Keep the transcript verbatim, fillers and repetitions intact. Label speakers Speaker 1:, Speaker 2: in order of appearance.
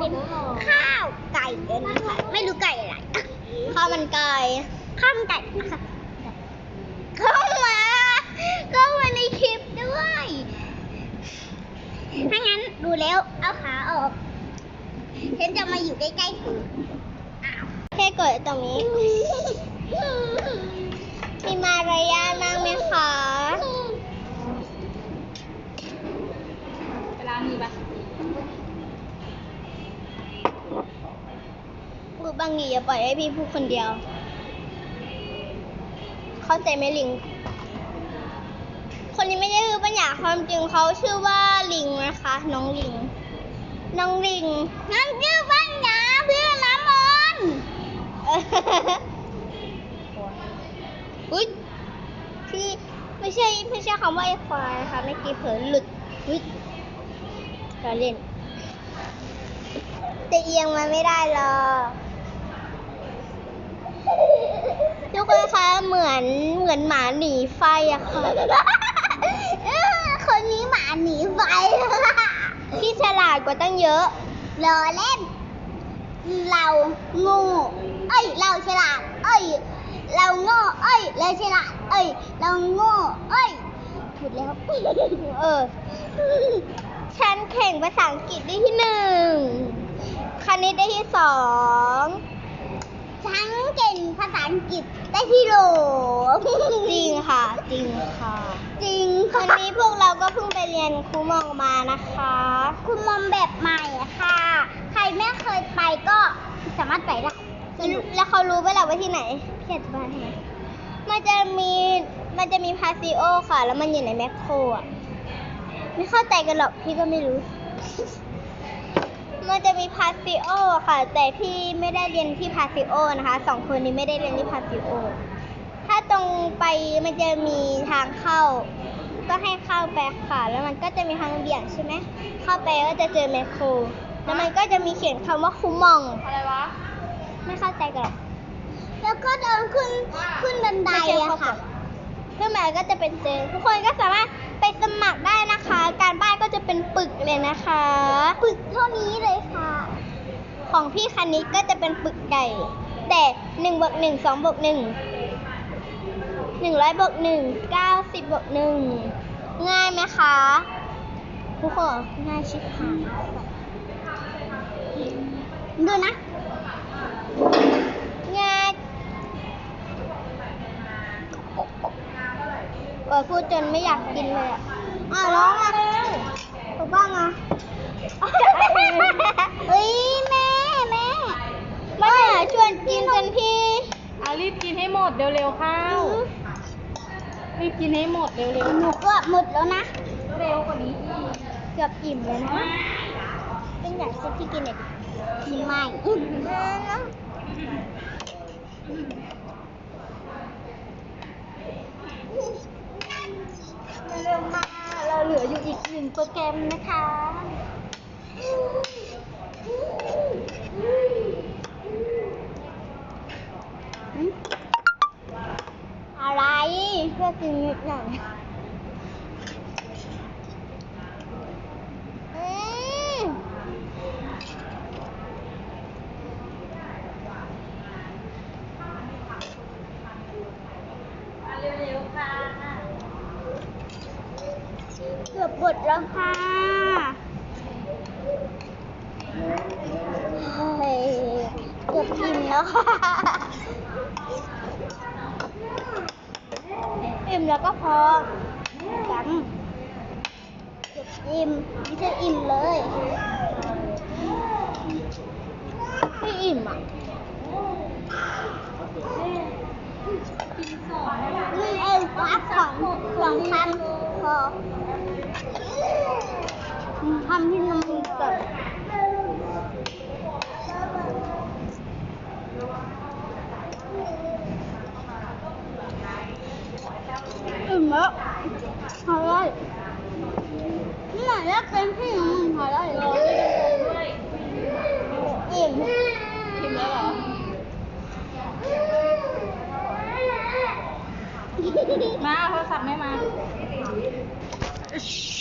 Speaker 1: เป็นข้าวไก่เกินค่ะไม่รู้ไก่อะไรข้าวมันไก่ข้าวมันไก่นะคะเข้ามาเข้ามาในคลิปด้วยถ้างั้นดูแล้วเอาขาออกฉันจะมาอยู่ใกล้ๆเธอแค่กดตรงนี้มีมารยาทมากไหมคะ
Speaker 2: เวลามีปะ
Speaker 1: พูดบางทีอย่าปล่อยให้พี่พูดคนเดียวเข้าใจไหมลิงคนนี้ไม่ได้คือปัญญาความจริงเขาชื่อว่าลิงนะคะน้องลิงน้องลิงนั่นชื่อปัญญาเพื่อนน้ำมันอุ๊ยพี่ไม่ใช่ไม่ใช่คำว่าไอ้ควายนะคะเมื่อกี้เผลอหลุดอุ๊ยเราเล่นแต่เอียงมันไม่ได้หรอกทุกคนคะเหมือนเหมือนหมาหนีไฟอะค่ะคนนี้หมาหนีไฟพี่ฉลาดกว่าตั้งเยอะรอเล่นเราโง่เอ้ยเราฉลาดเอ้ยเราโง่เอ้ยเราฉลาดเอ้ยเราโง่เอ้ยถูกแล้วเออฉันแข่งภาษาอังกฤษได้ที่หนึ่งคณิตได้ที่สองฉันเก่งภาษาอังกฤษได้ที่โหลจริงค่ะจริงค่ะจริงวันนี้พวกเราก็เพิ่งไปเรียนครูมองมานะคะครูมองแบบใหม่ค่ะใครไม่เคยไปก็สามารถไปได้แล้วเขารู้ไหมล่ะว่าที่ไหนพี่อธิบายให้มันจะมีมันจะมีพาซิโอค่ะแล้วมันอยู่ในแมคโครอ่ะไม่เข้าใจกันหรอกพี่ก็ไม่รู้มันจะมีพาซิโอค่ะแต่พี่ไม่ได้เรียนที่พาซิโอนะคะสองคนนี้ไม่ได้เรียนที่พาซิโอถ้าตรงไปมันจะมีทางเข้าก็ให้เข้าไปค่ะแล้วมันก็จะมีทางเบี่ยงใช่ไหมเข้าไปก็จะเจอแมคโครแล้วมันก็จะมีเขียนคำว่าคูมอง
Speaker 2: อะไรวะ
Speaker 1: ไม่เข้าใจกันแล้วก็เดินขึ้นขึ้นบันไดอะค่ะขึ้นมาก็จะเป็นเจอทุกคนก็สามารถไปสมัครได้นะคะการบ้านก็จะเป็นปึกเลยนะคะปึกเท่านี้เลยค่ะของพี่คณิตก็จะเป็นปึกใหญ่แต่หนึ่งบวกหนึ่งสองบวกหนึ่งหนึ่งร้อยบวกหนึ่งเก้าสิบบวกหนึ่งง่ายไหมคะทุกคนง่ายชิบหายดูนะง่ายเออพูดจนไม่อยากกินเลยอ่ะอ้าวร้องอ่ะถูกบ้างอ่ะเฮ้ยแม่แม่มาหาชวนกินกันพี่
Speaker 2: เอารีบกินให้หมดเร็วๆข้าวรีบกินให้หมดเร็วๆ
Speaker 1: หนูเกือบหมดแล้วนะ
Speaker 2: เร็วกว่านี้
Speaker 1: เกือบอิ่มเลยนะเป็นอย่างที่พี่กินเนี่ยกินไม่เร็วมาเราเหลืออยู่อีกหนึ่งโปรแกรมนะคะอะไรเพื่อกินนิดหน่อยเร็วๆค่ะเกือบหมดแล้วค่ะเฮ้ยเกือบกินแล้วค่ะอิ่มแล้วก็พอกันเกือบอิ่มไม่ใช่อิ่มเลยไม่อิ่มอ่ะนี่เองพักสองสองคำพอทำที่น้ำมันก่อนอิ่มแล้วพอได้นี่ไหนแล้วเป็นที่น้ำมันพอได้เลยอิ่ม
Speaker 2: กินแล้วเหรอมาโทรศัพท์ไม่มา